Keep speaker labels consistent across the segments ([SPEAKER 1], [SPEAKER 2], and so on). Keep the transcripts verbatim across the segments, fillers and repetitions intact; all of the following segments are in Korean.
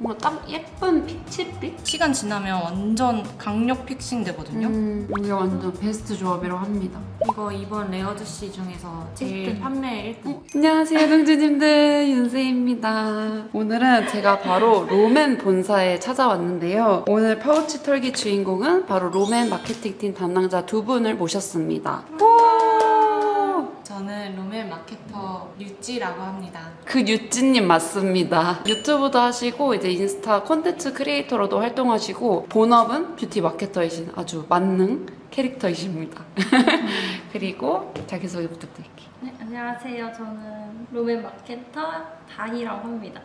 [SPEAKER 1] 뭔가 딱 예쁜 피치빛?
[SPEAKER 2] 시간 지나면 완전 강력 픽싱 되거든요.
[SPEAKER 1] 음, 이게 완전 베스트 조합이라고 합니다.
[SPEAKER 2] 이거 이번 레어드씨 중에서 제일
[SPEAKER 1] 일 등.
[SPEAKER 2] 판매 일 등.
[SPEAKER 1] 어, 안녕하세요 동주님들, 윤세입니다. 오늘은 제가 바로 롬앤 본사에 찾아왔는데요. 오늘 파우치 털기 주인공은 바로 롬앤 마케팅팀 담당자 두 분을 모셨습니다.
[SPEAKER 2] 저는 롬앤 마케터 류찌라고 합니다.
[SPEAKER 1] 그 유찌님 맞습니다. 유튜브도 하시고 이제 인스타 콘텐츠 크리에이터로도 활동하시고 본업은 뷰티 마케터이신 아주 만능 캐릭터이십니다. 그리고 자기소개 부탁드릴게요.
[SPEAKER 3] 네, 안녕하세요. 저는 롬앤 마케터 다희라고 합니다.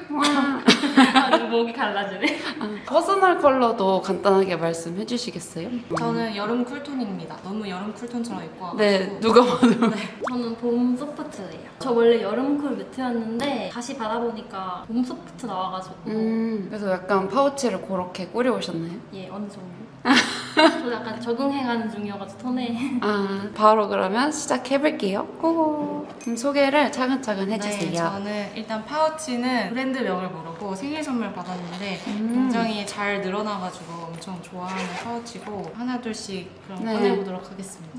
[SPEAKER 3] 아, 목이 갈라지네.
[SPEAKER 1] 아, 퍼스널 컬러도 간단하게 말씀해 주시겠어요?
[SPEAKER 2] 저는 여름 쿨톤입니다. 너무 여름 쿨톤처럼 입고 와가지고.
[SPEAKER 1] 네, 누가 봐도.
[SPEAKER 3] 저는 봄 소프트예요. 저 원래 여름 쿨 매트였는데 다시 받아보니까 봄 소프트 나와가지고
[SPEAKER 1] 음, 그래서 약간 파우치를 그렇게 꾸려오셨나요?
[SPEAKER 3] 예, 어느 정도. 저 약간 적응해가는 중이어가지고 톤에.
[SPEAKER 1] 아, 바로 그러면 시작해볼게요. 고고. 그럼 소개를 차근차근 해주세요.
[SPEAKER 2] 네, 저는 일단 파우치는 브랜드명을 모르고 생일 선물 받았는데
[SPEAKER 1] 음.
[SPEAKER 2] 굉장히 잘 늘어나가지고 엄청 좋아하는 파우치고 하나둘씩 그럼
[SPEAKER 1] 네.
[SPEAKER 2] 꺼내보도록 하겠습니다.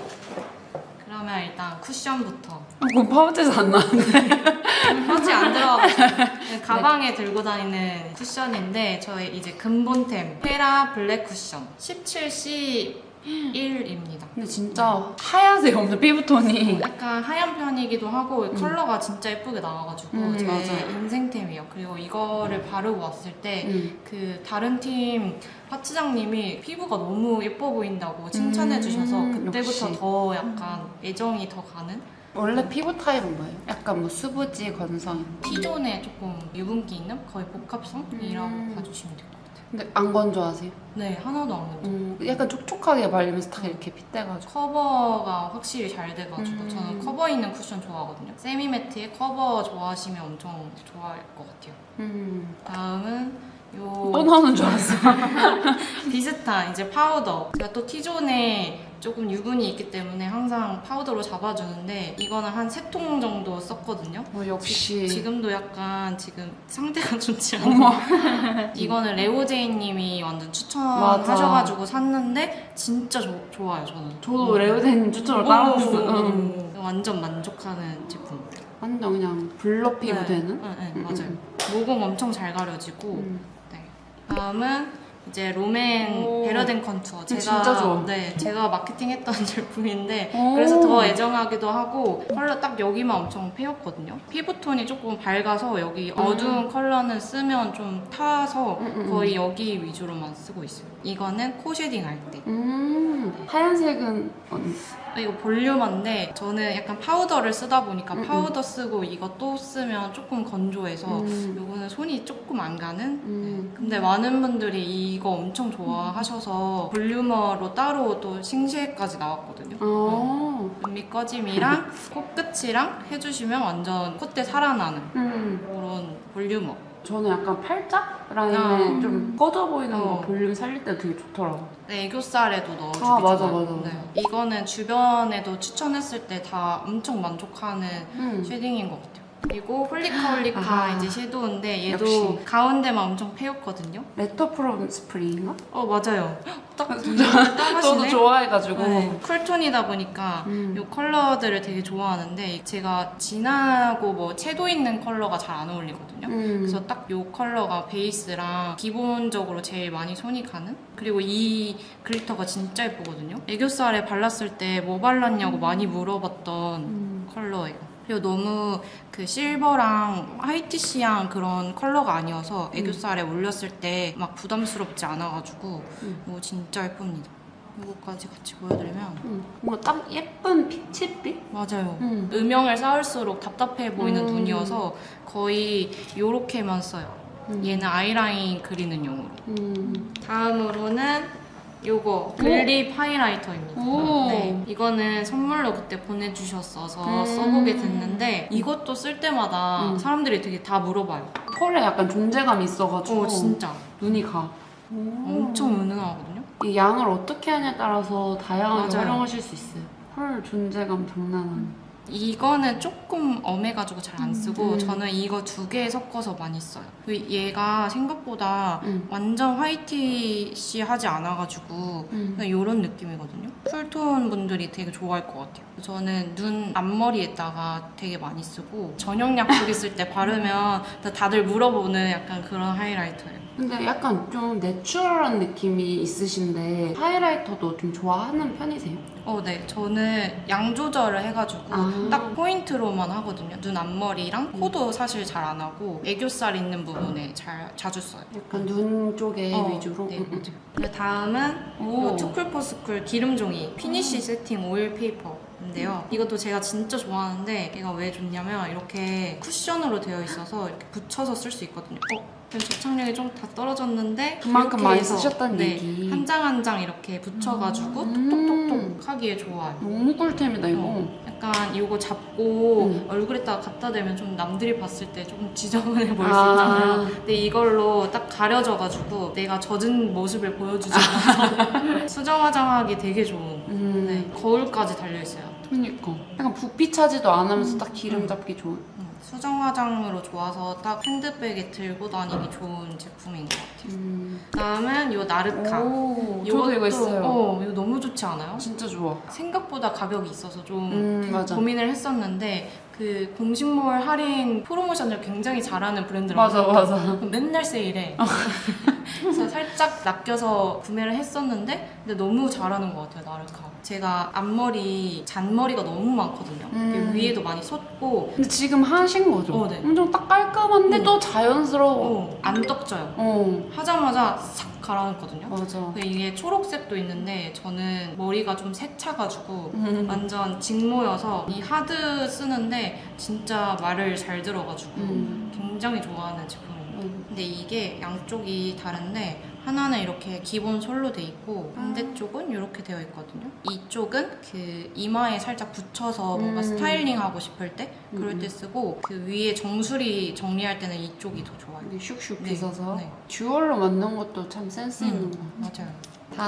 [SPEAKER 2] 그러면 일단 쿠션부터.
[SPEAKER 1] 어, 그럼 파우치에서 안 나왔는데.
[SPEAKER 2] 파우치 안 들어가가지고 가방에 들고 다니는 쿠션인데 저의 이제 근본템 페라 블랙 쿠션 십칠 씨 일입니다.
[SPEAKER 1] 근데 진짜 하얗세요, 엄청 피부톤이.
[SPEAKER 2] 약간 하얀 편이기도 하고
[SPEAKER 1] 음.
[SPEAKER 2] 컬러가 진짜 예쁘게 나와가지고
[SPEAKER 1] 음,
[SPEAKER 2] 제
[SPEAKER 1] 맞아요.
[SPEAKER 2] 인생템이에요. 그리고 이거를 바르고 왔을 때
[SPEAKER 1] 음.
[SPEAKER 2] 그 다른 팀 파트장님이 피부가 너무 예뻐 보인다고 칭찬해 주셔서
[SPEAKER 1] 음,
[SPEAKER 2] 그때부터
[SPEAKER 1] 역시.
[SPEAKER 2] 더 약간 애정이 더 가는
[SPEAKER 1] 원래 피부 타입은 뭐예요? 약간 뭐 수부지, 건성.
[SPEAKER 2] T존에 조금 유분기 있는 거의 복합성이라고
[SPEAKER 1] 음.
[SPEAKER 2] 봐주시면 될 것 같아요.
[SPEAKER 1] 근데 안 건조하세요?
[SPEAKER 2] 네, 하나도 안 건조.
[SPEAKER 1] 음, 약간 촉촉하게 발리면서 딱 이렇게 핏대가지고.
[SPEAKER 2] 커버가 확실히 잘 돼가지고
[SPEAKER 1] 음.
[SPEAKER 2] 저는 커버 있는 쿠션 좋아하거든요. 세미매트에 커버 좋아하시면 엄청 좋아할 것 같아요.
[SPEAKER 1] 음.
[SPEAKER 2] 다음은 요
[SPEAKER 1] 또 나오는 줄 알았어.
[SPEAKER 2] 비슷한 이제 파우더. 제가 또 T존에 조금 유분이 있기 때문에 항상 파우더로 잡아주는데 이거는 한 세 통 정도 썼거든요.
[SPEAKER 1] 어, 역시.
[SPEAKER 2] 지금도 약간 지금 상태가 좋지
[SPEAKER 1] 어머.
[SPEAKER 2] 않아요. 이거는 레오제이님이 완전 추천하셔가지고 샀는데 진짜 조, 좋아요 저는.
[SPEAKER 1] 저도 레오데님 추천을 따라했어. 응.
[SPEAKER 2] 음. 완전 만족하는 제품.
[SPEAKER 1] 완전 그냥 블러 피부
[SPEAKER 2] 네.
[SPEAKER 1] 되는?
[SPEAKER 2] 네, 네,
[SPEAKER 1] 음,
[SPEAKER 2] 맞아요.
[SPEAKER 1] 음,
[SPEAKER 2] 모공 엄청 잘 가려지고.
[SPEAKER 1] 음.
[SPEAKER 2] 네. 다음은 이제 롬앤
[SPEAKER 1] 오.
[SPEAKER 2] 베러덴 컨투어. 제가
[SPEAKER 1] 진짜 좋아.
[SPEAKER 2] 네, 제가 마케팅했던 제품인데
[SPEAKER 1] 오.
[SPEAKER 2] 그래서 더 애정하기도 하고 컬러 딱 여기만 엄청 패였거든요. 피부톤이 조금 밝아서 여기
[SPEAKER 1] 음.
[SPEAKER 2] 어두운 컬러는 쓰면 좀 타서
[SPEAKER 1] 음, 음,
[SPEAKER 2] 거의 여기 위주로만 쓰고 있어요. 이거는 코 쉐딩 할 때.
[SPEAKER 1] 음. 하얀색은 언니.
[SPEAKER 2] 이거 볼륨한데 저는 약간 파우더를 쓰다 보니까
[SPEAKER 1] 음,
[SPEAKER 2] 파우더 쓰고 이거 또 쓰면 조금 건조해서
[SPEAKER 1] 음.
[SPEAKER 2] 요거는 손이 조금 안 가는?
[SPEAKER 1] 음.
[SPEAKER 2] 근데 많은 분들이 이거 엄청 좋아하셔서 볼륨어로 따로 또 싱시에까지 나왔거든요.
[SPEAKER 1] 어.
[SPEAKER 2] 눈밑 꺼짐이랑 코끝이랑 해주시면 완전 콧대 살아나는
[SPEAKER 1] 음.
[SPEAKER 2] 그런 볼륨어.
[SPEAKER 1] 저는 약간 팔짝 라인에
[SPEAKER 2] 아.
[SPEAKER 1] 좀 꺼져 보이는 거
[SPEAKER 2] 어.
[SPEAKER 1] 볼륨 살릴 때 되게 좋더라고.
[SPEAKER 2] 네, 애교살에도 넣어주기
[SPEAKER 1] 아, 맞아,
[SPEAKER 2] 좋아요.
[SPEAKER 1] 맞아, 맞아.
[SPEAKER 2] 네. 이거는 주변에도 추천했을 때 다 엄청 만족하는
[SPEAKER 1] 음.
[SPEAKER 2] 쉐딩인 것 같아요. 그리고 홀리카 홀리카
[SPEAKER 1] 아.
[SPEAKER 2] 이제 섀도우인데 얘도
[SPEAKER 1] 역시.
[SPEAKER 2] 가운데만 엄청 패였거든요.
[SPEAKER 1] 레터 프롬 스프링인가?
[SPEAKER 2] 어 맞아요. 딱
[SPEAKER 1] 저도
[SPEAKER 2] 따가시네.
[SPEAKER 1] 좋아해가지고.
[SPEAKER 2] 네, 쿨톤이다 보니까
[SPEAKER 1] 음.
[SPEAKER 2] 이 컬러들을 되게 좋아하는데 제가 진하고 뭐 채도 있는 컬러가 잘 안 어울리거든요.
[SPEAKER 1] 음.
[SPEAKER 2] 그래서 딱 이 컬러가 베이스랑 기본적으로 제일 많이 손이 가는? 그리고 이 글리터가 진짜 예쁘거든요. 애교살에 발랐을 때 뭐 발랐냐고 많이 물어봤던
[SPEAKER 1] 음.
[SPEAKER 2] 컬러예요. 그리고 너무 그 실버랑 화이티시한 그런 컬러가 아니어서 애교살에 올렸을 때 막 부담스럽지 않아가지고
[SPEAKER 1] 음.
[SPEAKER 2] 이거 진짜 예쁩니다. 이거까지 같이 보여드리면
[SPEAKER 1] 음. 뭔가 딱 예쁜 피치빛?
[SPEAKER 2] 맞아요.
[SPEAKER 1] 음.
[SPEAKER 2] 음영을 쌓을수록 답답해 보이는
[SPEAKER 1] 음.
[SPEAKER 2] 눈이어서 거의 요렇게만 써요.
[SPEAKER 1] 음.
[SPEAKER 2] 얘는 아이라인 그리는 용으로.
[SPEAKER 1] 음.
[SPEAKER 2] 다음으로는 요거 글립 하이라이터입니다.
[SPEAKER 1] 오.
[SPEAKER 2] 네, 이거는 선물로 그때 보내주셨어서
[SPEAKER 1] 음.
[SPEAKER 2] 써보게 됐는데 이것도 쓸 때마다
[SPEAKER 1] 음.
[SPEAKER 2] 사람들이 되게 다 물어봐요.
[SPEAKER 1] 털에 약간 존재감이 있어가지고
[SPEAKER 2] 어 진짜
[SPEAKER 1] 눈이 가. 오.
[SPEAKER 2] 엄청 은은하거든요.
[SPEAKER 1] 이 양을 어떻게 하냐에 따라서 다양하게
[SPEAKER 2] 맞아요.
[SPEAKER 1] 활용하실 수 있어요. 털 존재감 장난 아니에요.
[SPEAKER 2] 이거는 조금 엄해가지고 잘 안 쓰고
[SPEAKER 1] 음.
[SPEAKER 2] 저는 이거 두 개 섞어서 많이 써요. 그리고 얘가 생각보다
[SPEAKER 1] 음.
[SPEAKER 2] 완전 화이티시하지 않아가지고
[SPEAKER 1] 음.
[SPEAKER 2] 그냥 이런 느낌이거든요. 쿨톤 분들이 되게 좋아할 것 같아요. 저는 눈 앞머리에다가 되게 많이 쓰고 저녁 약속 있을 때 바르면 다들 물어보는 약간 그런 하이라이터예요.
[SPEAKER 1] 근데 약간 좀 내추럴한 느낌이 있으신데 하이라이터도 좀 좋아하는 편이세요?
[SPEAKER 2] 어, 네. 저는 양 조절을 해가지고
[SPEAKER 1] 아.
[SPEAKER 2] 딱 포인트로만 하거든요. 눈 앞머리랑 코도 사실 잘 안 하고 애교살 있는 부분에 잘 자주 써요.
[SPEAKER 1] 약간 눈 쪽에
[SPEAKER 2] 어,
[SPEAKER 1] 위주로?
[SPEAKER 2] 네,
[SPEAKER 1] 음, 음.
[SPEAKER 2] 맞아요. 그 다음은
[SPEAKER 1] 오.
[SPEAKER 2] 이 투쿨포스쿨 기름종이 피니쉬 세팅 오일 페이퍼인데요. 이것도 제가 진짜 좋아하는데 얘가 왜 좋냐면 이렇게 쿠션으로 되어 있어서 이렇게 붙여서 쓸 수 있거든요. 어? 접착력이 좀 다 떨어졌는데
[SPEAKER 1] 그만큼
[SPEAKER 2] 이렇게
[SPEAKER 1] 많이
[SPEAKER 2] 해서,
[SPEAKER 1] 쓰셨다는
[SPEAKER 2] 네,
[SPEAKER 1] 얘기.
[SPEAKER 2] 한 장 한 장 이렇게 붙여가지고
[SPEAKER 1] 음.
[SPEAKER 2] 톡톡톡톡 하기에 좋아요.
[SPEAKER 1] 너무 꿀템이다 이거.
[SPEAKER 2] 어, 약간 이거 잡고
[SPEAKER 1] 음.
[SPEAKER 2] 얼굴에다가 갖다 대면 좀 남들이 봤을 때 조금 지저분해 보일 수
[SPEAKER 1] 아.
[SPEAKER 2] 있잖아요. 근데 이걸로 딱 가려져가지고 내가 젖은 모습을 보여주지 않아서 수정 화장하기 되게 좋은
[SPEAKER 1] 음.
[SPEAKER 2] 네, 거울까지 달려있어요.
[SPEAKER 1] 그니까 약간 부피 차지도 안 하면서 딱 기름 잡기 좋은.
[SPEAKER 2] 음, 수정 화장으로 좋아서 딱 핸드백에 들고 다니기 좋은 제품인 것 같아요.
[SPEAKER 1] 음.
[SPEAKER 2] 다음은 요 나르카.
[SPEAKER 1] 오, 저도 이거
[SPEAKER 2] 요것도-
[SPEAKER 1] 있어요.
[SPEAKER 2] 어, 이거 너무 좋지 않아요?
[SPEAKER 1] 진짜 좋아.
[SPEAKER 2] 생각보다 가격이 있어서 좀
[SPEAKER 1] 음, 맞아.
[SPEAKER 2] 고민을 했었는데 그 공식몰 할인 프로모션을 굉장히 잘하는 브랜드라서
[SPEAKER 1] 맞아, 맞아.
[SPEAKER 2] 맨날 세일해. 그래서 살짝 낚여서 구매를 했었는데 근데 너무 잘하는 것 같아요, 나르카. 제가 앞머리 잔머리가 너무 많거든요.
[SPEAKER 1] 음.
[SPEAKER 2] 위에도 많이 솟고
[SPEAKER 1] 근데 지금 하신 거죠?
[SPEAKER 2] 어, 네.
[SPEAKER 1] 엄청 딱 깔끔한데
[SPEAKER 2] 어.
[SPEAKER 1] 또 자연스러워.
[SPEAKER 2] 어, 안 떡져요.
[SPEAKER 1] 어,
[SPEAKER 2] 하자마자 싹 가라앉거든요.
[SPEAKER 1] 맞아.
[SPEAKER 2] 근데 이게 초록색도 있는데 저는 머리가 좀 새차가지고
[SPEAKER 1] 음.
[SPEAKER 2] 완전 직모여서 이 하드 쓰는데 진짜 말을 잘 들어가지고
[SPEAKER 1] 음.
[SPEAKER 2] 굉장히 좋아하는 제품입니다.
[SPEAKER 1] 음.
[SPEAKER 2] 근데 이게 양쪽이 다른데 하나는 이렇게 기본 솔로 돼 있고 반대쪽은 이렇게 되어 있거든요. 이쪽은 그 이마에 살짝 붙여서 뭔가
[SPEAKER 1] 음.
[SPEAKER 2] 스타일링 하고 싶을 때 그럴
[SPEAKER 1] 음.
[SPEAKER 2] 때 쓰고 그 위에 정수리 정리할 때는 이쪽이 더 좋아요.
[SPEAKER 1] 이게 슉슉
[SPEAKER 2] 네,
[SPEAKER 1] 빗어서
[SPEAKER 2] 네.
[SPEAKER 1] 듀얼로 만든 것도 참 센스 있는
[SPEAKER 2] 음,
[SPEAKER 1] 거 같아요.
[SPEAKER 2] 맞아요.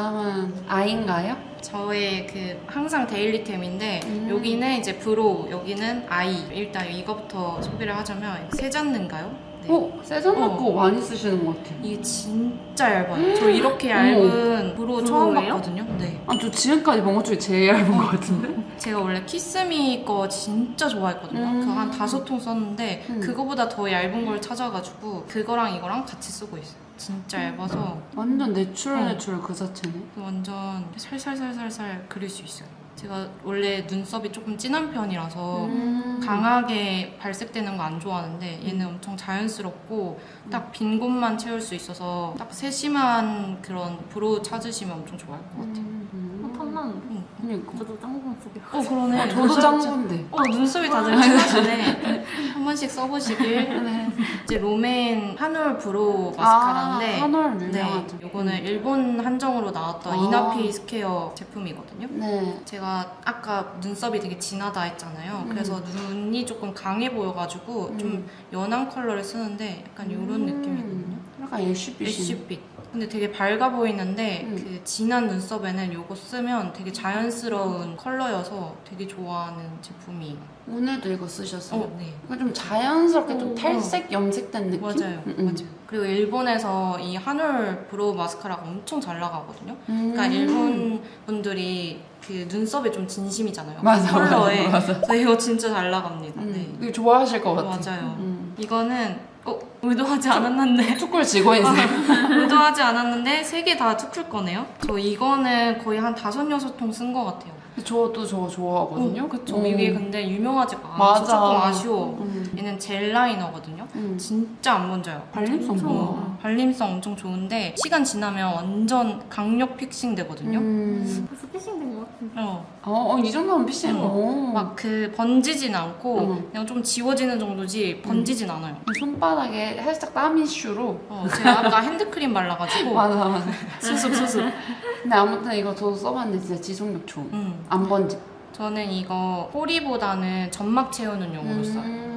[SPEAKER 1] 다음은 아이인가요?
[SPEAKER 2] 저의 그 항상 데일리템인데
[SPEAKER 1] 음.
[SPEAKER 2] 여기는 이제 브로우, 여기는 아이. 일단 이거부터 소개를 하자면 세잔느인가요? 네.
[SPEAKER 1] 어? 세전
[SPEAKER 2] 어.
[SPEAKER 1] 거 많이 쓰시는 것 같아요.
[SPEAKER 2] 이게 진짜 얇아요. 저 이렇게 얇은 브로우 처음
[SPEAKER 3] 브로우예요?
[SPEAKER 2] 봤거든요. 네.
[SPEAKER 1] 아, 저 지금까지 본 것 중에 제일 얇은 것 같은데?
[SPEAKER 2] 제가 원래 키스미 거 진짜 좋아했거든요.
[SPEAKER 1] 음.
[SPEAKER 2] 그거 한 다섯 통 썼는데
[SPEAKER 1] 음.
[SPEAKER 2] 그거보다 더 얇은 걸 찾아가지고 그거랑 이거랑 같이 쓰고 있어요. 진짜 얇아서
[SPEAKER 1] 완전 내추럴
[SPEAKER 2] 어.
[SPEAKER 1] 내추럴 그 자체네.
[SPEAKER 2] 완전 살살살살살 그릴 수 있어요. 제가 원래 눈썹이 조금 진한 편이라서
[SPEAKER 1] 음.
[SPEAKER 2] 강하게 발색되는 거 안 좋아하는데 얘는 엄청 자연스럽고 딱 빈 곳만 채울 수 있어서 딱 세심한 그런 브로우 찾으시면 엄청 좋아할 것 같아요.
[SPEAKER 1] 음.
[SPEAKER 3] 어, 탐나는.
[SPEAKER 2] 응.
[SPEAKER 1] 그러니까.
[SPEAKER 3] 저도 짱구 쓰게요.
[SPEAKER 2] 어 그러네.
[SPEAKER 1] 저도 짱구인데.
[SPEAKER 2] 어 눈썹이 다들 진하시네. 한 번씩 써보시길.
[SPEAKER 1] 네.
[SPEAKER 2] 이제 롬앤 한올 브로우 마스카라인데
[SPEAKER 1] 아, 한올
[SPEAKER 2] 네,
[SPEAKER 1] 유명하죠.
[SPEAKER 2] 이거는 일본 한정으로 나왔던
[SPEAKER 1] 아.
[SPEAKER 2] 이나피 스퀘어 제품이거든요.
[SPEAKER 1] 네.
[SPEAKER 2] 제가 아까 눈썹이 되게 진하다 했잖아요.
[SPEAKER 1] 음.
[SPEAKER 2] 그래서 눈이 조금 강해 보여가지고
[SPEAKER 1] 음.
[SPEAKER 2] 좀 연한 컬러를 쓰는데 약간 이런
[SPEAKER 1] 음.
[SPEAKER 2] 느낌이거든요.
[SPEAKER 1] 약간 애쉬빛이.
[SPEAKER 2] 애쉬빛. 근데 되게 밝아 보이는데
[SPEAKER 1] 음.
[SPEAKER 2] 그 진한 눈썹에는 이거 쓰면 되게 자연스러운 컬러여서 되게 좋아하는 제품이에요.
[SPEAKER 1] 오늘도 이거 쓰셨어요?
[SPEAKER 2] 어, 네.
[SPEAKER 1] 이거 좀 자연스럽게 좀
[SPEAKER 2] 어,
[SPEAKER 1] 탈색 염색된 느낌?
[SPEAKER 2] 맞아요.
[SPEAKER 1] 음, 음.
[SPEAKER 2] 맞아요. 그리고 일본에서 이 한올 브로우 마스카라가 엄청 잘 나가거든요.
[SPEAKER 1] 음.
[SPEAKER 2] 그러니까 일본 분들이 그 눈썹에 좀 진심이잖아요.
[SPEAKER 1] 맞아,
[SPEAKER 2] 컬러에.
[SPEAKER 1] 맞아, 맞아.
[SPEAKER 2] 그래서 이거 진짜 잘 나갑니다.
[SPEAKER 1] 음.
[SPEAKER 2] 네.
[SPEAKER 1] 이거 좋아하실 것 같아.
[SPEAKER 2] 맞아요.
[SPEAKER 1] 음.
[SPEAKER 2] 이거는 어, 의도하지 않았는데
[SPEAKER 1] 투쿨 직원이세요?
[SPEAKER 2] 의도하지 않았는데 세 개 다 투쿨 거네요. 저 이거는 거의 한 다섯 여섯 통 쓴 것 같아요.
[SPEAKER 1] 저도 저거 좋아하거든요.
[SPEAKER 2] 어, 그쵸.
[SPEAKER 1] 음.
[SPEAKER 2] 이게 근데 유명하지가 않아서
[SPEAKER 1] 맞아.
[SPEAKER 2] 조금 아쉬워.
[SPEAKER 1] 음.
[SPEAKER 2] 얘는 젤 라이너거든요.
[SPEAKER 1] 음.
[SPEAKER 2] 진짜 안 번져요.
[SPEAKER 1] 발림성
[SPEAKER 3] 엄청
[SPEAKER 1] 좋아.
[SPEAKER 2] 어, 발림성 엄청 좋은데 시간 지나면 완전 강력 픽싱 되거든요.
[SPEAKER 1] 음.
[SPEAKER 3] 벌써 피싱된 것 같은데.
[SPEAKER 2] 어,
[SPEAKER 1] 어, 어, 이 정도면 피싱.
[SPEAKER 2] 어.
[SPEAKER 1] 어.
[SPEAKER 2] 막 그 번지진 않고
[SPEAKER 1] 음.
[SPEAKER 2] 그냥 좀 지워지는 정도지 번지진 않아요.
[SPEAKER 1] 손바닥에 살짝 땀 이슈로.
[SPEAKER 2] 어, 제가 아까 핸드크림 발라가지고
[SPEAKER 1] 맞아, 맞아.
[SPEAKER 2] 수습 수습.
[SPEAKER 1] 근데 아무튼 이거 저도 써봤는데 진짜 지속력 좋은.
[SPEAKER 2] 음.
[SPEAKER 1] 안 번지.
[SPEAKER 2] 저는 이거 꼬리보다는 점막 채우는 용으로 써요.
[SPEAKER 1] 음.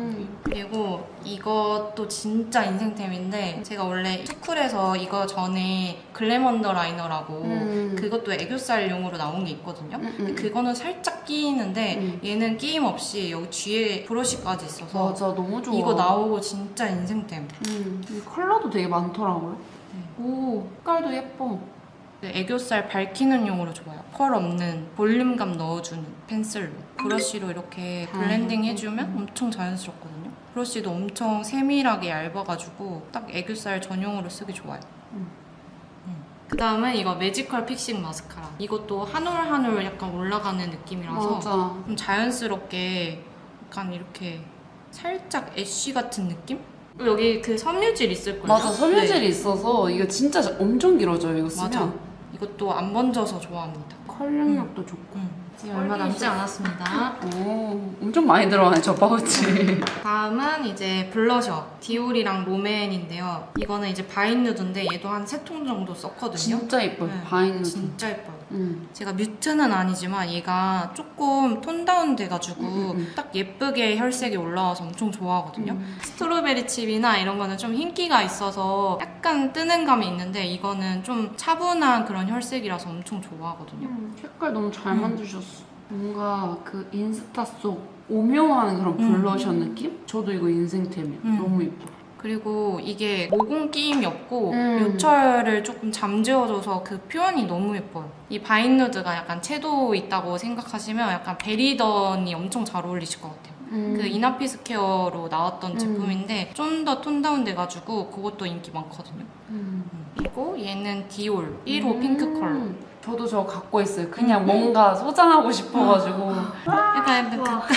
[SPEAKER 2] 그리고 이것도 진짜 인생템인데 제가 원래 투쿨에서 이거 전에 글램 언더라이너라고
[SPEAKER 1] 음.
[SPEAKER 2] 그것도 애교살용으로 나온 게 있거든요.
[SPEAKER 1] 음,
[SPEAKER 2] 근데
[SPEAKER 1] 음.
[SPEAKER 2] 그거는 살짝 끼이는데
[SPEAKER 1] 음.
[SPEAKER 2] 얘는 끼임 없이 여기 뒤에 브러쉬까지 있어서
[SPEAKER 1] 맞아, 너무 좋아.
[SPEAKER 2] 이거 나오고 진짜 인생템.
[SPEAKER 1] 음, 이 컬러도 되게 많더라고요.
[SPEAKER 2] 네.
[SPEAKER 1] 오, 색깔도 예뻐.
[SPEAKER 2] 그 애교살 밝히는 용으로 좋아요. 펄 없는 볼륨감 넣어주는 펜슬로 브러쉬로 이렇게 블렌딩 해주면 엄청 자연스럽거든요. 브러쉬도 엄청 세밀하게 얇아가지고 딱 애교살 전용으로 쓰기 좋아요.
[SPEAKER 1] 음.
[SPEAKER 2] 그 다음은 이거 매지컬 픽싱 마스카라. 이것도 한 올 한 올 약간 올라가는 느낌이라서
[SPEAKER 1] 맞아.
[SPEAKER 2] 좀 자연스럽게 약간 이렇게 살짝 애쉬 같은 느낌? 여기 그 섬유질 있을걸요?
[SPEAKER 1] 맞아, 섬유질이
[SPEAKER 2] 네.
[SPEAKER 1] 있어서 이거 진짜 엄청 길어져요, 이거 쓰면.
[SPEAKER 2] 맞아. 이것도 안 번져서 좋아합니다.
[SPEAKER 1] 컬링력도 좋고.
[SPEAKER 2] 음. 얼마 남지 않았습니다.
[SPEAKER 1] 오, 엄청 많이 들어가네, 저 파우치.
[SPEAKER 2] 다음은 이제 블러셔 디올이랑 롬앤인데요. 이거는 이제 바인 누드인데 얘도 한 세 통 정도 썼거든요.
[SPEAKER 1] 진짜 예뻐요,
[SPEAKER 2] 네.
[SPEAKER 1] 바인 누드.
[SPEAKER 2] 진짜 예뻐요.
[SPEAKER 1] 음.
[SPEAKER 2] 제가 뮤트는 아니지만 얘가 조금 톤 다운 돼가지고
[SPEAKER 1] 음, 음.
[SPEAKER 2] 딱 예쁘게 혈색이 올라와서 엄청 좋아하거든요.
[SPEAKER 1] 음.
[SPEAKER 2] 스트로베리 칩이나 이런 거는 좀 흰기가 있어서 약간 뜨는 감이 있는데 이거는 좀 차분한 그런 혈색이라서 엄청 좋아하거든요.
[SPEAKER 1] 음, 색깔 너무 잘
[SPEAKER 2] 음.
[SPEAKER 1] 만드셨어. 뭔가 그 인스타 속 오묘한 그런
[SPEAKER 2] 음.
[SPEAKER 1] 블러셔 느낌? 저도 이거 인생템이에요.
[SPEAKER 2] 음.
[SPEAKER 1] 너무 예뻐.
[SPEAKER 2] 그리고 이게 모공 끼임이 없고
[SPEAKER 1] 음.
[SPEAKER 2] 요철을 조금 잠재워줘서 그 표현이 너무 예뻐요. 이 바인 누드가 약간 채도 있다고 생각하시면 약간 베리던이 엄청 잘 어울리실 것 같아요.
[SPEAKER 1] 음.
[SPEAKER 2] 그 이나피스 케어로 나왔던
[SPEAKER 1] 음.
[SPEAKER 2] 제품인데 좀 더 톤 다운 돼가지고 그것도 인기 많거든요.
[SPEAKER 1] 음.
[SPEAKER 2] 그리고 얘는 디올 일 호
[SPEAKER 1] 음.
[SPEAKER 2] 핑크 컬러.
[SPEAKER 1] 저도 저거 갖고 있어요. 그냥
[SPEAKER 2] 음.
[SPEAKER 1] 뭔가 소장하고 싶어가지고.
[SPEAKER 2] 약간 약간
[SPEAKER 3] 와.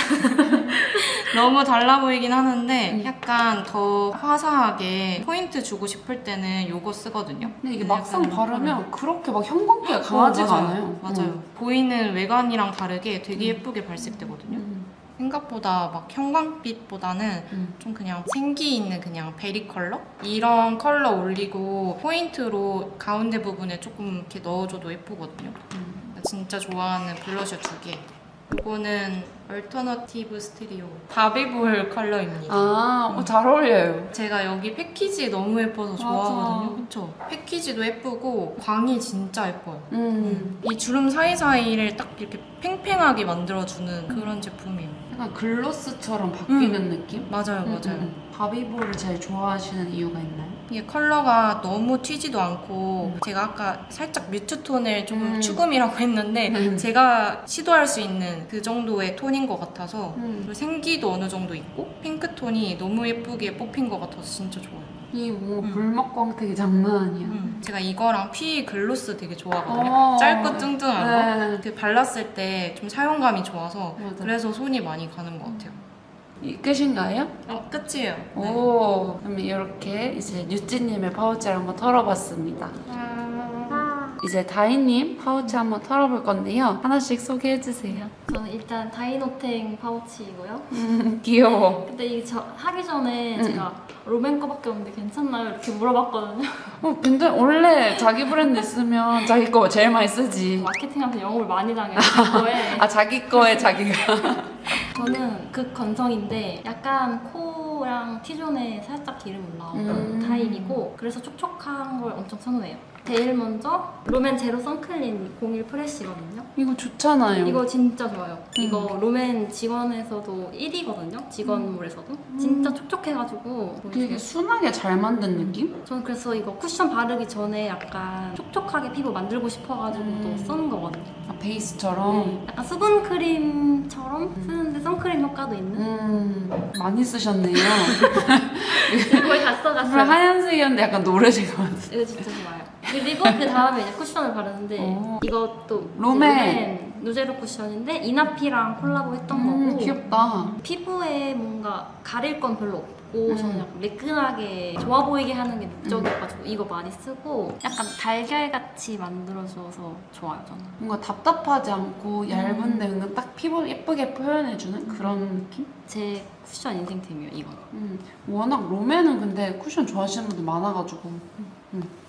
[SPEAKER 2] 너무 달라 보이긴 하는데
[SPEAKER 1] 음.
[SPEAKER 2] 약간 더 화사하게 포인트 주고 싶을 때는 이거 쓰거든요.
[SPEAKER 1] 근데 이게
[SPEAKER 2] 근데
[SPEAKER 1] 막상
[SPEAKER 2] 약간
[SPEAKER 1] 바르면 그렇게 막 형광기가 강하지가
[SPEAKER 2] 어, 맞아요.
[SPEAKER 1] 않아요.
[SPEAKER 2] 맞아요.
[SPEAKER 1] 음.
[SPEAKER 2] 보이는 외관이랑 다르게 되게
[SPEAKER 1] 음.
[SPEAKER 2] 예쁘게 발색되거든요.
[SPEAKER 1] 음.
[SPEAKER 2] 생각보다 막 형광빛보다는
[SPEAKER 1] 음.
[SPEAKER 2] 좀 그냥 생기 있는 그냥 베리 컬러? 이런 컬러 올리고 포인트로 가운데 부분에 조금 이렇게 넣어줘도 예쁘거든요.
[SPEAKER 1] 음.
[SPEAKER 2] 진짜 좋아하는 블러셔 두 개. 이거는 얼터너티브 스테리오 바비볼 컬러입니다.
[SPEAKER 1] 아, 어, 잘 어울려요.
[SPEAKER 2] 제가 여기 패키지 너무 예뻐서
[SPEAKER 1] 맞아.
[SPEAKER 2] 좋아하거든요. 그쵸? 패키지도 예쁘고 광이 진짜 예뻐요.
[SPEAKER 1] 음.
[SPEAKER 2] 이 주름 사이사이를 딱 이렇게 팽팽하게 만들어주는 그런 제품이에요.
[SPEAKER 1] 약간 글로스처럼 바뀌는 느낌?
[SPEAKER 2] 맞아요,
[SPEAKER 1] 음,
[SPEAKER 2] 맞아요.
[SPEAKER 1] 음, 음. 바비볼을 제일 좋아하시는 이유가 있나요?
[SPEAKER 2] 이게 컬러가 너무 튀지도 않고
[SPEAKER 1] 음.
[SPEAKER 2] 제가 아까 살짝 뮤트 톤을 조금
[SPEAKER 1] 음.
[SPEAKER 2] 추금이라고 했는데
[SPEAKER 1] 음.
[SPEAKER 2] 제가 시도할 수 있는 그 정도의 톤인 것 같아서
[SPEAKER 1] 음.
[SPEAKER 2] 그리고 생기도 어느 정도 있고 핑크 톤이 너무 예쁘게 뽑힌 것 같아서 진짜 좋아요.
[SPEAKER 1] 이 뭔가
[SPEAKER 2] 음.
[SPEAKER 1] 불맛 광택이 장난 아니야.
[SPEAKER 2] 음. 제가 이거랑 피 글로스 되게 좋아하거든요.
[SPEAKER 1] 어.
[SPEAKER 2] 짧고 뚱뚱한 거.
[SPEAKER 1] 네.
[SPEAKER 2] 그 발랐을 때 좀 사용감이 좋아서
[SPEAKER 1] 맞아.
[SPEAKER 2] 그래서 손이 많이 가는 것 같아요.
[SPEAKER 1] 이 끝인가요?
[SPEAKER 2] 어, 끝이에요. 네.
[SPEAKER 1] 오, 그럼 이렇게 이제 유찌님의 파우치를 한번 털어봤습니다. 이제 다희님 파우치 한번 털어볼 건데요. 하나씩 소개해주세요.
[SPEAKER 3] 저는 일단 다이노탱 파우치이고요.
[SPEAKER 1] 음, 귀여워.
[SPEAKER 3] 근데 이게 저 하기 전에
[SPEAKER 1] 음.
[SPEAKER 3] 제가 롬앤 거밖에 없는데 괜찮나요? 이렇게 물어봤거든요.
[SPEAKER 1] 어, 근데 원래 자기 브랜드 있으면 자기 거 제일 많이 쓰지.
[SPEAKER 3] 마케팅한테 영업을 많이 당해요. 그거에.
[SPEAKER 1] 아, 자기 거에 자기가.
[SPEAKER 3] 저는 극건성인데 약간 코랑 T존에 살짝 기름 올라오는
[SPEAKER 1] 음.
[SPEAKER 3] 타입이고 그래서 촉촉한 걸 엄청 선호해요. 제일 먼저 롬앤 제로 선클린 공일 프레쉬거든요.
[SPEAKER 1] 이거 좋잖아요.
[SPEAKER 3] 이거 진짜 좋아요.
[SPEAKER 1] 음.
[SPEAKER 3] 이거 롬앤 직원에서도 일 위거든요. 직원몰에서도. 진짜 촉촉해가지고
[SPEAKER 1] 되게 순하게 잘 만든 느낌?
[SPEAKER 3] 저는 그래서 이거 쿠션 바르기 전에 약간 촉촉하게 피부 만들고 싶어가지고
[SPEAKER 1] 음.
[SPEAKER 3] 또 쓰는 거거든요.
[SPEAKER 1] 아, 베이스처럼.
[SPEAKER 3] 네, 약간 수분 크림처럼 쓰는데 선크림 효과도 있는.
[SPEAKER 1] 음, 많이 쓰셨네요.
[SPEAKER 3] 거의 다
[SPEAKER 1] 그럼
[SPEAKER 3] 써갔어요.
[SPEAKER 1] 하얀색이었는데 약간 노래진 것 같아요.
[SPEAKER 3] 이거 진짜 좋아요. 그리고 그 다음에 이제 쿠션을 바르는데
[SPEAKER 1] 오.
[SPEAKER 3] 이것도
[SPEAKER 1] 롬앤.
[SPEAKER 3] 롬앤 누제로 쿠션인데 이나피랑 콜라보 했던
[SPEAKER 1] 음,
[SPEAKER 3] 거고
[SPEAKER 1] 귀엽다.
[SPEAKER 3] 피부에 뭔가 가릴 건 별로 없고
[SPEAKER 1] 음.
[SPEAKER 3] 저는 약간 매끈하게 좋아 보이게 하는 게 목적이어가지고 이거 많이 쓰고 약간 달걀같이 만들어줘서 좋아요 저는.
[SPEAKER 1] 뭔가 답답하지 않고 얇은데 은근 딱 피부 예쁘게 표현해주는 그런 느낌?
[SPEAKER 3] 제 쿠션 인생템이에요 이거.
[SPEAKER 1] 음, 워낙 롬앤은 근데 쿠션 좋아하시는 분들 많아가지고. 음.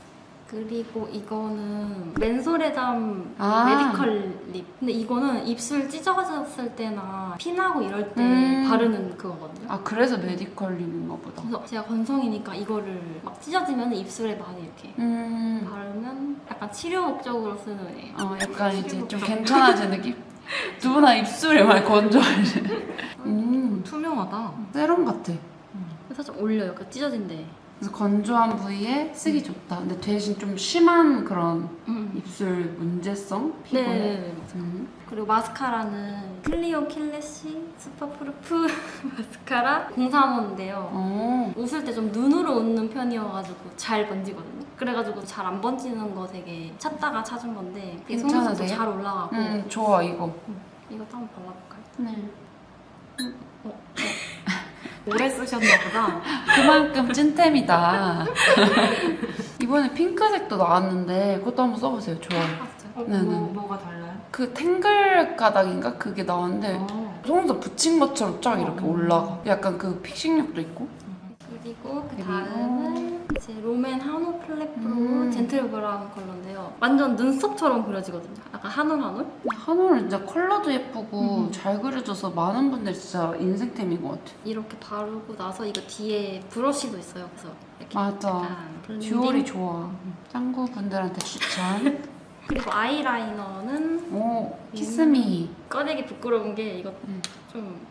[SPEAKER 3] 그리고 이거는 맨소레담
[SPEAKER 1] 아.
[SPEAKER 3] 메디컬 립. 근데 이거는 입술 찢어졌을 때나 피나고 이럴 때
[SPEAKER 1] 음.
[SPEAKER 3] 바르는 그거거든요.
[SPEAKER 1] 아 그래서 메디컬 립인가 보다.
[SPEAKER 3] 그래서 제가 건성이니까 이거를 막 찢어지면 입술에 많이 이렇게
[SPEAKER 1] 음.
[SPEAKER 3] 바르면 약간 치료 목적으로 쓰는 애예요.
[SPEAKER 1] 어 약간 이제 좀 괜찮아진 느낌? 누구나 입술이 많이 건조하지. 음.
[SPEAKER 2] 투명하다.
[SPEAKER 1] 세럼 같아.
[SPEAKER 3] 살짝 올려요. 그 찢어진데.
[SPEAKER 1] 그래서 건조한 부위에 쓰기 좋다. 근데 대신 좀 심한 그런
[SPEAKER 3] 음.
[SPEAKER 1] 입술 문제성 피부에.
[SPEAKER 3] 네네네.
[SPEAKER 1] 음.
[SPEAKER 3] 그리고 마스카라는 클리오 킬래시 슈퍼프루프 마스카라 공삼 호인데요.
[SPEAKER 1] 어.
[SPEAKER 3] 웃을 때 좀 눈으로 웃는 편이어가지고 잘 번지거든요. 그래가지고 잘 안 번지는 거 되게 찾다가 찾은 건데 되게 속눈썹도
[SPEAKER 1] 괜찮으세요?
[SPEAKER 3] 잘 올라가고
[SPEAKER 1] 음 좋아 이거.
[SPEAKER 3] 이것도 한번 발라볼까요?
[SPEAKER 1] 네.
[SPEAKER 2] 오래 쓰셨나 보다.
[SPEAKER 1] 그만큼 찐템이다. 이번에 핑크색도 나왔는데 그것도 한번 써보세요. 좋아요.
[SPEAKER 3] 아, 진짜요?
[SPEAKER 2] 어,
[SPEAKER 1] 네네.
[SPEAKER 2] 뭐, 뭐가 달라요?
[SPEAKER 1] 그 탱글 가닥인가 그게 나왔는데
[SPEAKER 2] 어.
[SPEAKER 1] 속눈썹 붙인 것처럼 쫙 이렇게
[SPEAKER 2] 어.
[SPEAKER 1] 올라가. 약간 그 픽싱력도 있고.
[SPEAKER 3] 그리고 그
[SPEAKER 1] 그리고
[SPEAKER 3] 다음은 이제 롬앤 한올 플랫 프로
[SPEAKER 1] 음.
[SPEAKER 3] 젠틀 브라운 컬러인데요. 완전 눈썹처럼 그려지거든요. 약간 한올 한올?
[SPEAKER 1] 한올은 진짜 컬러도 예쁘고
[SPEAKER 3] 음.
[SPEAKER 1] 잘 그려져서 많은 분들 진짜 인생템인 것 같아.
[SPEAKER 3] 이렇게 바르고 나서 이거 뒤에 브러쉬도 있어요. 그래서 이렇게
[SPEAKER 1] 맞아.
[SPEAKER 3] 약간 블렌딩.
[SPEAKER 1] 듀얼이 좋아. 짱구 분들한테 추천.
[SPEAKER 3] 그리고 아이라이너는
[SPEAKER 1] 오 키스미.
[SPEAKER 3] 꺼내기 부끄러운 게 이거
[SPEAKER 1] 음.
[SPEAKER 3] 좀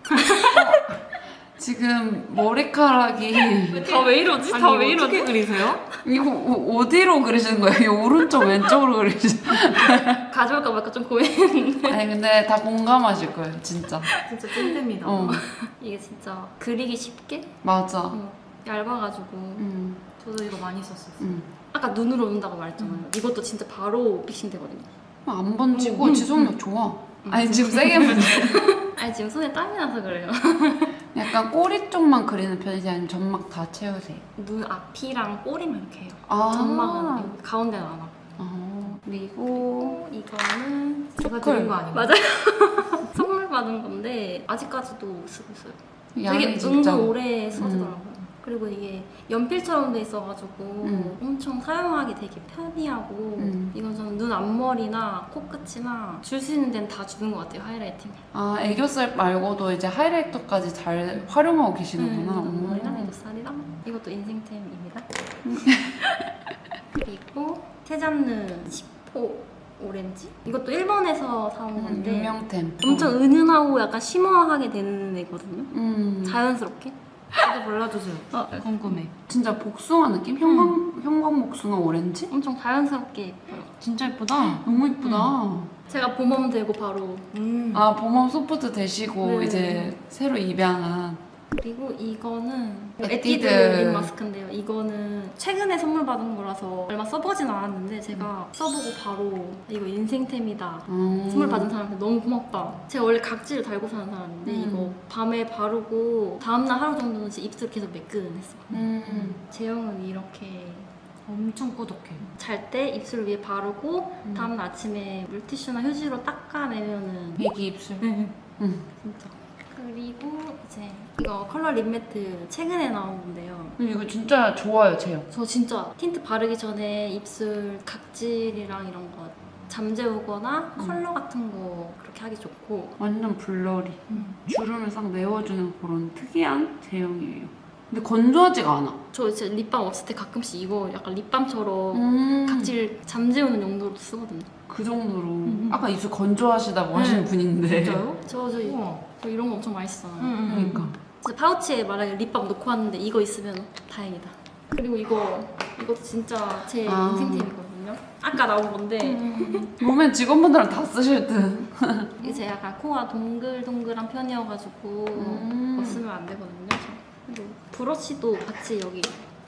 [SPEAKER 1] 지금 머리카락이
[SPEAKER 3] 다 왜 이러지? 다 왜 이러지?
[SPEAKER 2] 어떻게 그리세요?
[SPEAKER 1] 이거 어- 어디로 그리시는 거예요? 이 오른쪽 왼쪽으로 그리시는 거예요?
[SPEAKER 3] 가져올까 말까 좀 고민했는데
[SPEAKER 1] 아니 근데 다 공감하실 거예요 진짜.
[SPEAKER 2] 진짜 찐템이다.
[SPEAKER 1] 어
[SPEAKER 3] 이게 진짜 그리기 쉽게
[SPEAKER 1] 맞아.
[SPEAKER 3] 어, 얇아가지고
[SPEAKER 1] 음,
[SPEAKER 2] 저도 이거 많이 썼었어요.
[SPEAKER 1] 음.
[SPEAKER 3] 아까 눈으로 온다고 말했잖아요. 이것도 진짜 바로 픽싱 되거든요.
[SPEAKER 1] 안 번지고
[SPEAKER 3] 음, 음,
[SPEAKER 1] 지속력 좋아. 아니 지금 세게 문제.
[SPEAKER 3] 아니 지금 손에 땀이 나서 그래요.
[SPEAKER 1] 약간 꼬리 쪽만 그리는 편이지 아니면 점막 다 채우세요?
[SPEAKER 3] 눈 앞이랑 꼬리만 이렇게 해요.
[SPEAKER 1] 아.
[SPEAKER 3] 점막은 여기 가운데는 안 하고.
[SPEAKER 1] 어, 그리고
[SPEAKER 3] 이거는
[SPEAKER 2] 제가 드린 거 아닌가요?
[SPEAKER 3] 맞아요. 선물 받은 건데 아직까지도 쓰고 있어요.
[SPEAKER 1] 양이
[SPEAKER 3] 되게
[SPEAKER 1] 진짜.
[SPEAKER 3] 은근 오래 써지더라고요. 그리고 이게 연필처럼 돼 있어가지고
[SPEAKER 1] 음.
[SPEAKER 3] 엄청 사용하기 되게 편리하고
[SPEAKER 1] 음.
[SPEAKER 3] 이건 저는 눈 앞머리나 코끝이나 줄 수 있는 데는 다 주는 것 같아요. 하이라이팅.
[SPEAKER 1] 아 애교살 말고도 이제 하이라이터까지 잘 활용하고 계시는구나.
[SPEAKER 3] 음,
[SPEAKER 1] 오.
[SPEAKER 3] 머리랑 애교살이랑 이것도 인생템입니다. 그리고 테잔느 시포 오렌지? 이것도 일본에서 사온
[SPEAKER 1] 음,
[SPEAKER 3] 건데
[SPEAKER 1] 유명템.
[SPEAKER 3] 엄청 은은하고 약간 쉬머하게 되는 애거든요.
[SPEAKER 1] 음.
[SPEAKER 3] 자연스럽게.
[SPEAKER 2] 저도 발라주세요.
[SPEAKER 3] 어,
[SPEAKER 2] 궁금해.
[SPEAKER 1] 진짜 복숭아 느낌? 형광 형광 복숭아 오렌지?
[SPEAKER 3] 엄청 자연스럽게 예뻐요.
[SPEAKER 2] 진짜 예쁘다.
[SPEAKER 1] 너무 이쁘다.
[SPEAKER 3] 제가 봄웜 되고 바로
[SPEAKER 2] 음.
[SPEAKER 1] 아 봄웜 소프트 되시고
[SPEAKER 3] 네.
[SPEAKER 1] 이제 새로 입양한.
[SPEAKER 3] 그리고 이거는
[SPEAKER 1] 에뛰드.
[SPEAKER 3] 에뛰드 립 마스크인데요. 이거는 최근에 선물 받은 거라서 얼마 써보진 않았는데 제가 써보고 바로 이거 인생템이다.
[SPEAKER 1] 음.
[SPEAKER 3] 선물 받은 사람한테 너무 고맙다. 제가 원래 각질을 달고 사는 사람인데
[SPEAKER 1] 음.
[SPEAKER 3] 이거 밤에 바르고 다음날 하루 정도는 진짜 입술 계속 매끈했어요.
[SPEAKER 1] 음.
[SPEAKER 3] 제형은 이렇게
[SPEAKER 2] 엄청 꾸덕해.
[SPEAKER 3] 잘 때 입술 위에 바르고
[SPEAKER 1] 음.
[SPEAKER 3] 다음날 아침에 물티슈나 휴지로 닦아내면은
[SPEAKER 1] 애기 입술.
[SPEAKER 3] 네.
[SPEAKER 1] 음.
[SPEAKER 3] 진짜. 그리고 이제 이거 컬러 립 매트 최근에 나온 건데요.
[SPEAKER 1] 근데 이거 진짜 좋아요 제형.
[SPEAKER 3] 저 진짜 틴트 바르기 전에 입술 각질이랑 이런 거 잠재우거나
[SPEAKER 1] 음.
[SPEAKER 3] 컬러 같은 거 그렇게 하기 좋고
[SPEAKER 1] 완전 블러리.
[SPEAKER 3] 음.
[SPEAKER 1] 주름을 싹 메워주는 그런 특이한 제형이에요. 근데 건조하지가 않아.
[SPEAKER 3] 저 진짜 립밤 없을 때 가끔씩 이거 약간 립밤처럼
[SPEAKER 1] 음.
[SPEAKER 3] 각질 잠재우는 용도로 쓰거든요.
[SPEAKER 1] 그 정도로.
[SPEAKER 3] 음.
[SPEAKER 1] 아까 입술 건조하시다고
[SPEAKER 3] 네.
[SPEAKER 1] 하시는 분인데.
[SPEAKER 2] 진짜요?
[SPEAKER 3] 저, 저,
[SPEAKER 2] 우와.
[SPEAKER 3] 저 이런 거 엄청 많이 쓰잖아요.
[SPEAKER 2] 음,
[SPEAKER 1] 그러니까.
[SPEAKER 3] 진짜 파우치에 만약에 립밤 넣고 왔는데 이거 있으면 다행이다. 그리고 이거 이것도 진짜 제
[SPEAKER 1] 아.
[SPEAKER 3] 인생템이거든요. 아까 나온 건데
[SPEAKER 1] 보면 직원분들은 다 쓰실 듯.
[SPEAKER 3] 이게 약간 코가 동글동글한 편이어가지고
[SPEAKER 1] 음.
[SPEAKER 3] 뭐 쓰면 안 되거든요. 그리고 브러쉬도 같이 여기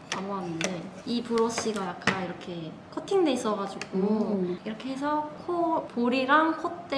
[SPEAKER 3] 담아왔는데 이 브러쉬가 약간 이렇게 커팅돼 있어가지고
[SPEAKER 1] 음.
[SPEAKER 3] 이렇게 해서 코 볼이랑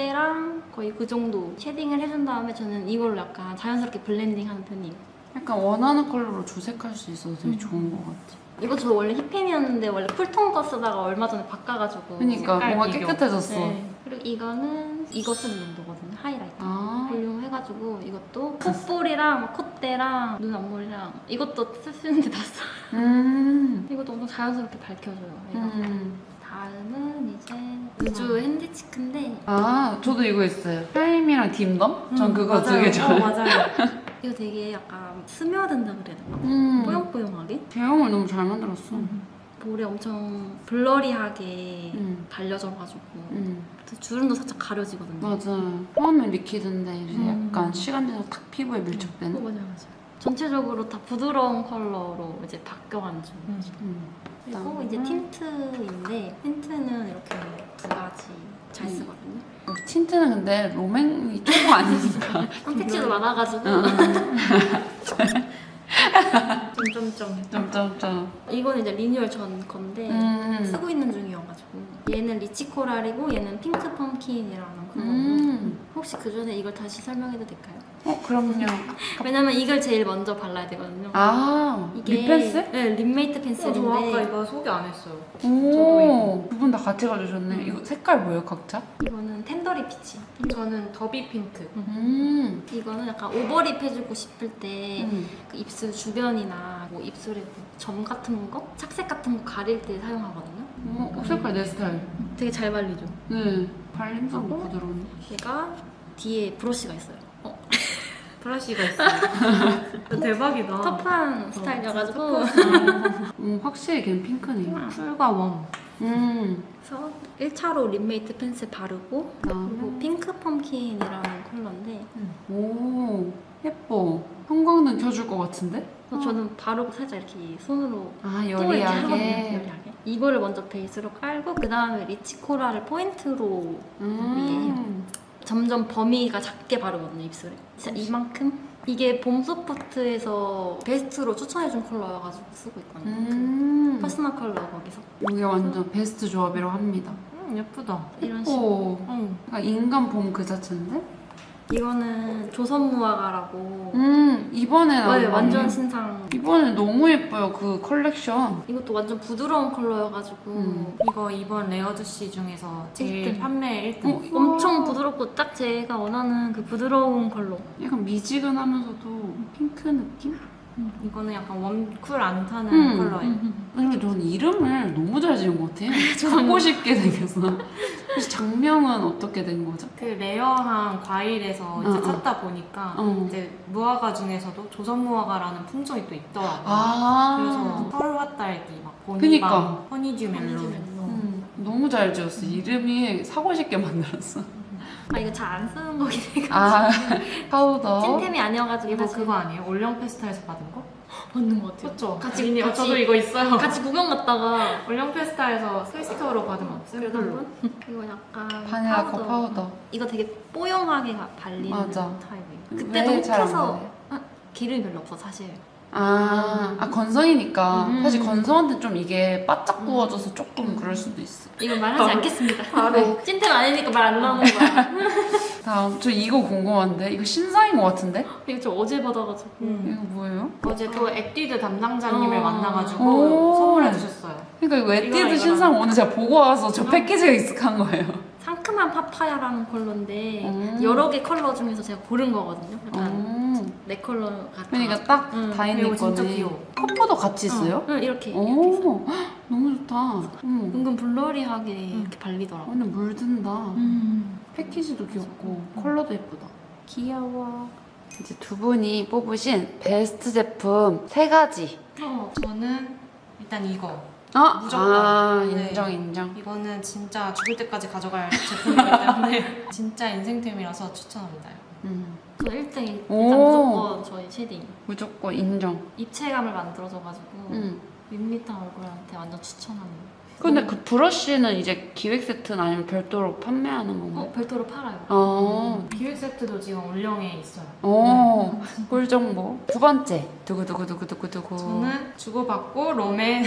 [SPEAKER 3] 콧대랑 거의 그 정도 쉐딩을 해준 다음에 저는 이걸로 약간 자연스럽게 블렌딩하는 편이에요.
[SPEAKER 1] 약간 원하는 컬러로 조색할 수 있어서 되게
[SPEAKER 3] 음.
[SPEAKER 1] 좋은 것 같아.
[SPEAKER 3] 이거 저 원래 힙템이었는데 원래 쿨톤 거 쓰다가 얼마 전에 바꿔가지고
[SPEAKER 1] 그러니까
[SPEAKER 2] 색깔
[SPEAKER 1] 뭔가
[SPEAKER 2] 비교.
[SPEAKER 1] 깨끗해졌어.
[SPEAKER 3] 네. 그리고 이거는 이거 쓰는 용도거든요. 하이라이터.
[SPEAKER 1] 아.
[SPEAKER 3] 볼륨 해가지고 해가지고 이것도 콧볼이랑 막 콧대랑 눈 앞머리랑 이것도 쓸 수 있는데 다 써.
[SPEAKER 1] 음.
[SPEAKER 3] 이것도 엄청 자연스럽게 밝혀줘요. 얘가.
[SPEAKER 1] 음.
[SPEAKER 3] 다음은 이제 우주 핸디치크인데
[SPEAKER 1] 아, 저도 이거 있어요. 타임이랑 딤덤? 전
[SPEAKER 2] 음,
[SPEAKER 1] 그거 두 개
[SPEAKER 2] 맞아요.
[SPEAKER 1] 좋아해요.
[SPEAKER 2] 어, 맞아요.
[SPEAKER 3] 이거 되게 약간 스며든다 그래야 되나?
[SPEAKER 1] 음.
[SPEAKER 3] 뽀용뽀용하게?
[SPEAKER 1] 제형을 너무 잘 만들었어.
[SPEAKER 3] 볼에 엄청 블러리하게
[SPEAKER 1] 음.
[SPEAKER 3] 발려져가지고
[SPEAKER 1] 음.
[SPEAKER 3] 주름도 살짝 가려지거든요.
[SPEAKER 1] 맞아. 처음엔 리퀴드인데 이제
[SPEAKER 3] 음.
[SPEAKER 1] 약간 시간 지나서 탁 피부에
[SPEAKER 3] 어,
[SPEAKER 1] 밀착되는.
[SPEAKER 3] 맞아요, 맞아요. 전체적으로 다 부드러운 컬러로 이제 바뀌어가는 중.
[SPEAKER 2] 음.
[SPEAKER 1] 음.
[SPEAKER 3] 그리고
[SPEAKER 1] 그다음에
[SPEAKER 3] 이제 틴트인데 틴트는 이렇게 두 가지 잘
[SPEAKER 1] 음.
[SPEAKER 3] 쓰거든요.
[SPEAKER 1] 틴트는 근데 로맨이 조금 아니니까.
[SPEAKER 3] 선택지도 많아가지고
[SPEAKER 2] 점점점.
[SPEAKER 1] 점점점.
[SPEAKER 3] 이거는 이제 리뉴얼 전 건데
[SPEAKER 1] 음.
[SPEAKER 3] 쓰고 있는 중이어가지고 얘는 리치 코랄이고 얘는 핑크 펌킨이라는 컬러고
[SPEAKER 1] 음.
[SPEAKER 3] 혹시 그 전에 이걸 다시 설명해도 될까요?
[SPEAKER 1] 어, 그럼요.
[SPEAKER 3] 왜냐면 이걸 제일 먼저 발라야 되거든요.
[SPEAKER 1] 아, 립 펜슬?
[SPEAKER 3] 네, 립메이트
[SPEAKER 2] 어,
[SPEAKER 3] 펜슬인데
[SPEAKER 2] 저 아까 이거 소개 안 했어요.
[SPEAKER 1] 오, 두 분 다 같이 가주셨네.
[SPEAKER 3] 음.
[SPEAKER 1] 이거 색깔 뭐예요, 각자?
[SPEAKER 3] 이거는 텐더리 피치.
[SPEAKER 2] 저는 더비 핑크.
[SPEAKER 1] 음.
[SPEAKER 3] 이거는 약간 오버립 해주고 싶을 때
[SPEAKER 1] 음.
[SPEAKER 3] 그 입술 주변이나 뭐 입술에 뭐점 같은 거, 착색 같은 거 가릴 때 사용하거든요.
[SPEAKER 1] 어, 색깔 내 스타일.
[SPEAKER 3] 되게 잘 발리죠.
[SPEAKER 1] 네. 발림성
[SPEAKER 3] 하고?
[SPEAKER 1] 부드러운.
[SPEAKER 3] 얘가 뒤에 브러쉬가 있어요. 어,
[SPEAKER 2] 브러쉬가 있어요. 대박이다.
[SPEAKER 3] 터프한 스타일이어가지고
[SPEAKER 1] 음, 확실히 걔는 핑크네요.
[SPEAKER 2] 쿨과 웜.
[SPEAKER 1] 음.
[SPEAKER 3] 그래서 일 차로 립메이트 펜슬 바르고
[SPEAKER 1] 그다음에
[SPEAKER 3] 그리고 핑크 펌킨이라는 컬러인데
[SPEAKER 1] 오, 예뻐. 형광등 켜줄 것 같은데?
[SPEAKER 3] 그래서 저는 바르고 살짝 이렇게 손으로
[SPEAKER 1] 아,
[SPEAKER 3] 또 이렇게 하거든요.
[SPEAKER 1] 여리하게.
[SPEAKER 3] 여리하게. 이거를 먼저 베이스로 깔고 그 다음에 리치 코랄을 포인트로
[SPEAKER 1] 음.
[SPEAKER 3] 점점 범위가 작게 바르거든요, 입술에. 진짜 이만큼? 이게 봄소프트에서 베스트로 추천해준 컬러여가지고 쓰고 있거든요.
[SPEAKER 1] 음.
[SPEAKER 3] 그 퍼스널 컬러 거기서.
[SPEAKER 1] 이게 완전 베스트 조합이라고 합니다.
[SPEAKER 2] 음, 예쁘다.
[SPEAKER 3] 이런 식으로.
[SPEAKER 1] 오.
[SPEAKER 2] 응.
[SPEAKER 1] 약간 인간 봄 그 자체인데?
[SPEAKER 3] 이거는 조선무화과라고.
[SPEAKER 1] 음, 이번에 나온
[SPEAKER 3] 네,
[SPEAKER 1] 거
[SPEAKER 3] 완전
[SPEAKER 1] 아니에요?
[SPEAKER 3] 신상.
[SPEAKER 1] 이번에 너무 예뻐요, 그 컬렉션.
[SPEAKER 3] 이것도 완전 부드러운 컬러여가지고
[SPEAKER 1] 음.
[SPEAKER 2] 이거 이번 레어드씨 중에서 제일
[SPEAKER 3] 일 등.
[SPEAKER 2] 판매 일 등.
[SPEAKER 1] 어,
[SPEAKER 3] 엄청 부드럽고 딱 제가 원하는 그 부드러운 컬러.
[SPEAKER 1] 약간 미지근하면서도 핑크 느낌?
[SPEAKER 2] 이거는 약간 웜쿨 안 타는
[SPEAKER 1] 음.
[SPEAKER 2] 컬러예요.
[SPEAKER 1] 근데 저는 이름을 너무 잘 지은 것 같아요. 갖고 싶게 생겼어. 그래서 장명은 어떻게 된 거죠?
[SPEAKER 2] 그 레어한 과일에서 이제
[SPEAKER 1] 어, 어.
[SPEAKER 2] 찾다 보니까
[SPEAKER 1] 어.
[SPEAKER 2] 이제 무화과 중에서도 조선 무화과라는 품종이 또 있더라고요.
[SPEAKER 1] 아.
[SPEAKER 2] 그래서 펄과 딸기, 막
[SPEAKER 1] 그니까.
[SPEAKER 2] 보니밤, 허니듀 멜론.
[SPEAKER 1] 음, 너무 잘 지었어. 이름이 사고 싶게 만들었어.
[SPEAKER 3] 아 이거 잘 안 쓰는 거긴 해가지고
[SPEAKER 1] 아, 파우더.
[SPEAKER 3] 찐템이 아니어가지고
[SPEAKER 2] 이거
[SPEAKER 3] 사실
[SPEAKER 2] 그거 아니에요? 올영 페스타에서 받은 거?
[SPEAKER 3] 맞는 것 같아요.
[SPEAKER 2] 그렇죠.
[SPEAKER 3] 같이-
[SPEAKER 2] 미니,
[SPEAKER 3] 같이-
[SPEAKER 2] 저도 이거 있어요.
[SPEAKER 3] 같이 구경 갔다가
[SPEAKER 2] 올영 페스타에서 스위스토어로 받은 거
[SPEAKER 3] 그래도
[SPEAKER 2] 샘플로.
[SPEAKER 3] 한번 이거 약간
[SPEAKER 1] 바닐라
[SPEAKER 3] 파우더.
[SPEAKER 1] 코 파우더.
[SPEAKER 3] 이거 되게 뽀용하게 가- 발리는
[SPEAKER 1] 맞아.
[SPEAKER 3] 타입이에요.
[SPEAKER 1] 왜
[SPEAKER 3] 그때도
[SPEAKER 1] 잘안
[SPEAKER 3] 혹해서
[SPEAKER 1] 발려요?
[SPEAKER 3] 아, 기름이 별로 없어 사실.
[SPEAKER 1] 아, 아 건성이니까.
[SPEAKER 3] 음.
[SPEAKER 1] 사실 건성한테 좀 이게 바짝 구워져서 조금 그럴 수도 있어.
[SPEAKER 3] 이건 말하지
[SPEAKER 2] 바로-
[SPEAKER 3] 않겠습니다.
[SPEAKER 2] 바로.
[SPEAKER 3] 찐템 아니니까 말 안 나오는 거야.
[SPEAKER 1] 다음, 저 이거 궁금한데? 이거 신상인 것 같은데?
[SPEAKER 3] 이거 저 어제 받아가지고.
[SPEAKER 2] 음.
[SPEAKER 1] 이거 뭐예요?
[SPEAKER 2] 어제 또 액디드 담당자님을
[SPEAKER 3] 어.
[SPEAKER 2] 만나가지고
[SPEAKER 1] 오.
[SPEAKER 2] 선물해 주셨어요.
[SPEAKER 1] 그러니까 이거
[SPEAKER 2] 이거랑
[SPEAKER 1] 에뛰드
[SPEAKER 2] 이거랑.
[SPEAKER 1] 신상 오늘 제가 보고 와서 저 패키지가 익숙한 거예요.
[SPEAKER 3] 상큼한 파파야라는 컬러인데
[SPEAKER 1] 음.
[SPEAKER 3] 여러 개 컬러 중에서 제가 고른 거거든요. 약간
[SPEAKER 1] 음.
[SPEAKER 3] 네 컬러 같아.
[SPEAKER 1] 그러니까 딱
[SPEAKER 3] 음.
[SPEAKER 1] 다인님
[SPEAKER 2] 이거 진짜
[SPEAKER 1] 거네.
[SPEAKER 2] 귀여워.
[SPEAKER 1] 커퍼도 같이 있어요?
[SPEAKER 3] 응, 이렇게. 이렇게 있어요.
[SPEAKER 1] 오, 헉, 너무 좋다. 음.
[SPEAKER 3] 은근 블러리하게 이렇게 발리더라고.
[SPEAKER 1] 완전 물든다.
[SPEAKER 3] 음.
[SPEAKER 1] 패키지도 귀엽고 컬러도 예쁘다. 귀여워. 이제 두 분이 뽑으신 베스트 제품 세 가지.
[SPEAKER 2] 어, 저는 일단 이거.
[SPEAKER 1] 아,
[SPEAKER 2] 무조건.
[SPEAKER 1] 아
[SPEAKER 2] 네.
[SPEAKER 1] 인정 인정.
[SPEAKER 2] 이거는 진짜 죽을 때까지 가져갈 제품이기 때문에 진짜 인생템이라서 추천합니다.
[SPEAKER 1] 음.
[SPEAKER 3] 저 일 등 일단
[SPEAKER 1] 오.
[SPEAKER 3] 무조건 저희 쉐딩.
[SPEAKER 1] 무조건 인정.
[SPEAKER 3] 입체감을 만들어줘가지고
[SPEAKER 1] 음.
[SPEAKER 3] 밋밋한 얼굴한테 완전 추천합니다.
[SPEAKER 1] 근데 그 브러쉬는 이제 기획 세트는 아니면 별도로 판매하는 건가요?
[SPEAKER 3] 어, 별도로 팔아요.
[SPEAKER 1] 어.
[SPEAKER 2] 기획 세트도 지금 올영에 있어요.
[SPEAKER 1] 오, 꿀 정보. 두 번째. 두구두구두구두구두구.
[SPEAKER 2] 저는 주고받고 롬앤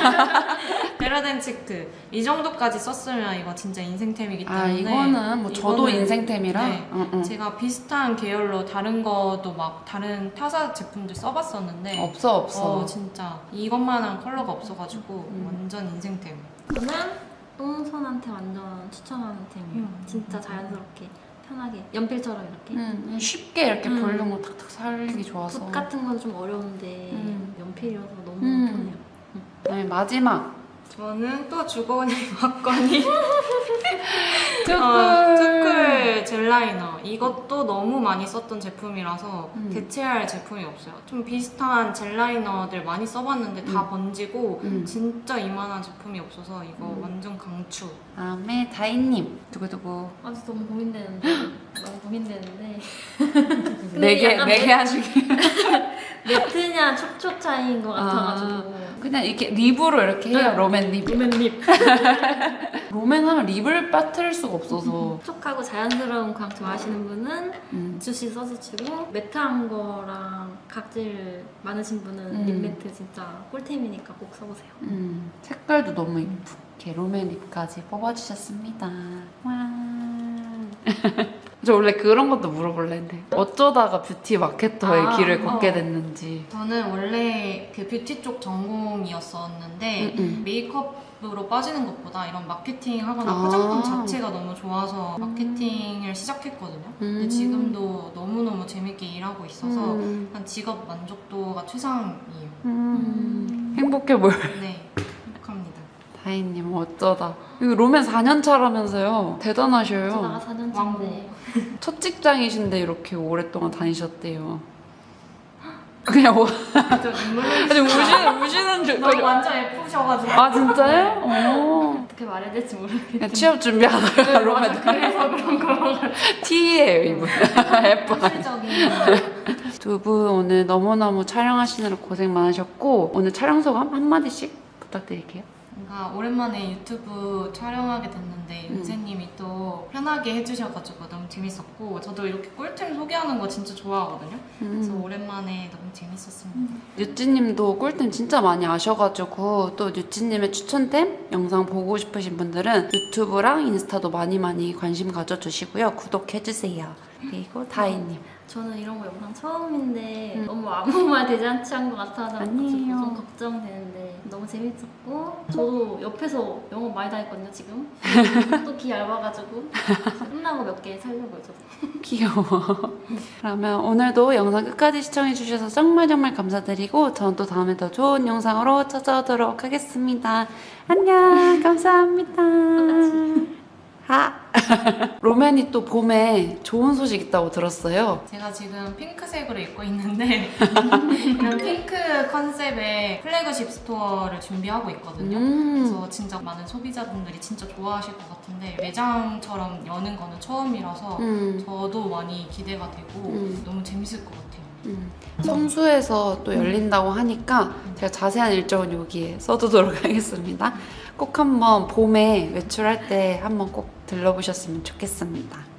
[SPEAKER 2] 베라덴치크 이 정도까지 썼으면 이거 진짜 인생템이기 때문에
[SPEAKER 1] 아, 이거는 뭐 저도
[SPEAKER 2] 이거는-
[SPEAKER 1] 인생템이라.
[SPEAKER 2] 네.
[SPEAKER 1] 응, 응.
[SPEAKER 2] 제가 비슷한 계열로 다른 것도 막 다른 타사 제품들 써봤었는데
[SPEAKER 1] 없어, 없어.
[SPEAKER 2] 어, 진짜 이것만한 컬러가 없어가지고
[SPEAKER 1] 음.
[SPEAKER 2] 완전 인생템.
[SPEAKER 3] 저는 똥손한테 완전 추천하는 템이에요.
[SPEAKER 2] 음.
[SPEAKER 3] 진짜 자연스럽게 편하게 연필처럼 이렇게
[SPEAKER 1] 음, 쉽게 이렇게
[SPEAKER 3] 음.
[SPEAKER 1] 볼륨을 탁탁 살리기 좋아서.
[SPEAKER 3] 붓 같은 건 좀 어려운데
[SPEAKER 1] 음.
[SPEAKER 3] 연필이어서 너무
[SPEAKER 1] 음.
[SPEAKER 3] 편해요.
[SPEAKER 1] 네, 마지막.
[SPEAKER 2] 저는 또 주거니 받거니
[SPEAKER 1] 쭈쿨.
[SPEAKER 2] 어, 쭈쿨 젤라이너. 이것도 너무 많이 썼던 제품이라서
[SPEAKER 1] 음.
[SPEAKER 2] 대체할 제품이 없어요. 좀 비슷한 젤라이너들 많이 써봤는데 다
[SPEAKER 1] 음.
[SPEAKER 2] 번지고
[SPEAKER 1] 음.
[SPEAKER 2] 진짜 이만한 제품이 없어서 이거
[SPEAKER 1] 음.
[SPEAKER 2] 완전 강추.
[SPEAKER 1] 다음에 다인님. 두구두구.
[SPEAKER 3] 아직 너무 고민되는데 너무 고민되는데
[SPEAKER 1] 네 개,
[SPEAKER 3] 약간
[SPEAKER 1] 네 개 하시기.
[SPEAKER 3] 매트냐 촉촉 차이인 것 같아가지고
[SPEAKER 1] 그냥 이렇게 립으로 이렇게 해요.
[SPEAKER 3] 네.
[SPEAKER 1] 롬앤 립.
[SPEAKER 3] 롬앤립
[SPEAKER 1] 롬앤 하면 립을 빠뜨릴 수가 없어서.
[SPEAKER 3] 촉촉하고 자연스러운 광 좋아하시는 분은
[SPEAKER 1] 음.
[SPEAKER 3] 주시 써주시고 매트한 거랑 각질 많으신 분은
[SPEAKER 1] 음.
[SPEAKER 3] 립 매트 진짜 꿀템이니까 꼭 써보세요.
[SPEAKER 1] 음, 색깔도 너무 이쁘게 롬앤 립까지 뽑아주셨습니다. 와. 저 원래 그런 것도 물어볼래 했는데 어쩌다가 뷰티 마케터의
[SPEAKER 2] 아,
[SPEAKER 1] 길을 걷게
[SPEAKER 2] 어.
[SPEAKER 1] 됐는지.
[SPEAKER 2] 저는 원래 그 뷰티 쪽 전공이었었는데
[SPEAKER 1] 음, 음.
[SPEAKER 2] 메이크업으로 빠지는 것보다 이런 마케팅 하거나
[SPEAKER 1] 아.
[SPEAKER 2] 화장품 자체가 너무 좋아서 마케팅을 시작했거든요. 근데
[SPEAKER 1] 음.
[SPEAKER 2] 지금도 너무너무 재밌게 일하고 있어서
[SPEAKER 1] 음.
[SPEAKER 2] 한 직업 만족도가 최상이에요.
[SPEAKER 1] 음. 행복해 보여.
[SPEAKER 2] 네, 행복합니다.
[SPEAKER 1] 다인님 어쩌다. 이거 롬앤 사 년 차라면서요. 대단하셔요.
[SPEAKER 3] 어쩌다가 사 년 차인데
[SPEAKER 1] 첫 직장이신데 이렇게 오랫동안 다니셨대요. 그냥 뭐
[SPEAKER 2] 저 눈물
[SPEAKER 1] 아니 우시는 우시는 줄.
[SPEAKER 2] 너무 완전 예쁘셔가지고.
[SPEAKER 1] 아 진짜요? 어.
[SPEAKER 3] 어떻게 말해야 될지 모르겠어요.
[SPEAKER 1] 그냥 취업 준비하다가 롬앤
[SPEAKER 2] 그래서 그런 거.
[SPEAKER 1] T예요 이분. 예뻐.
[SPEAKER 2] 현실적인.
[SPEAKER 1] 두 분 오늘 너무너무 촬영하시느라 고생 많으셨고 오늘 촬영 소감 한마디씩 부탁드릴게요.
[SPEAKER 2] 뭔가 오랜만에 유튜브 촬영하게 됐는데
[SPEAKER 1] 음.
[SPEAKER 2] 윤세님이 또 편하게 해주셔가지고 너무 재밌었고 저도 이렇게 꿀템 소개하는 거 진짜 좋아하거든요. 그래서
[SPEAKER 1] 음.
[SPEAKER 2] 오랜만에 너무 재밌었습니다.
[SPEAKER 1] 유찌님도 꿀템 진짜 많이 아셔가지고 또 유찌님의 추천템 영상 보고 싶으신 분들은 유튜브랑 인스타도 많이 많이 관심 가져주시고요. 구독해주세요. 그리고 다희님.
[SPEAKER 3] 저는 이런 거 영상 처음인데
[SPEAKER 1] 음.
[SPEAKER 3] 너무 아무 말 대잔치 한 것 같아서
[SPEAKER 1] 아니에요.
[SPEAKER 3] 좀 걱정되는데 너무 재밌었고 저도 옆에서 영업 많이 다녔거든요 지금. 또 기 얇아가지고 끝나고 몇 개 살려고요 저도.
[SPEAKER 1] 귀여워. 그러면 오늘도 영상 끝까지 시청해주셔서 정말 정말 감사드리고 저는 또 다음에 더 좋은 영상으로 찾아오도록 하겠습니다. 안녕. 감사합니다. 하. 로맨이 또 봄에 좋은 소식 있다고 들었어요.
[SPEAKER 2] 제가 지금 핑크색으로 입고 있는데 이런 핑크 컨셉의 플래그십 스토어를 준비하고 있거든요.
[SPEAKER 1] 음.
[SPEAKER 2] 그래서 진짜 많은 소비자분들이 진짜 좋아하실 것 같은데 매장처럼 여는 거는 처음이라서
[SPEAKER 1] 음.
[SPEAKER 2] 저도 많이 기대가 되고
[SPEAKER 1] 음.
[SPEAKER 2] 너무 재밌을 것 같아요.
[SPEAKER 1] 음. 성수에서 또 열린다고 하니까 제가 자세한 일정은 여기에 써두도록 하겠습니다. 꼭 한번 봄에 외출할 때 한번 꼭 들러보셨으면 좋겠습니다.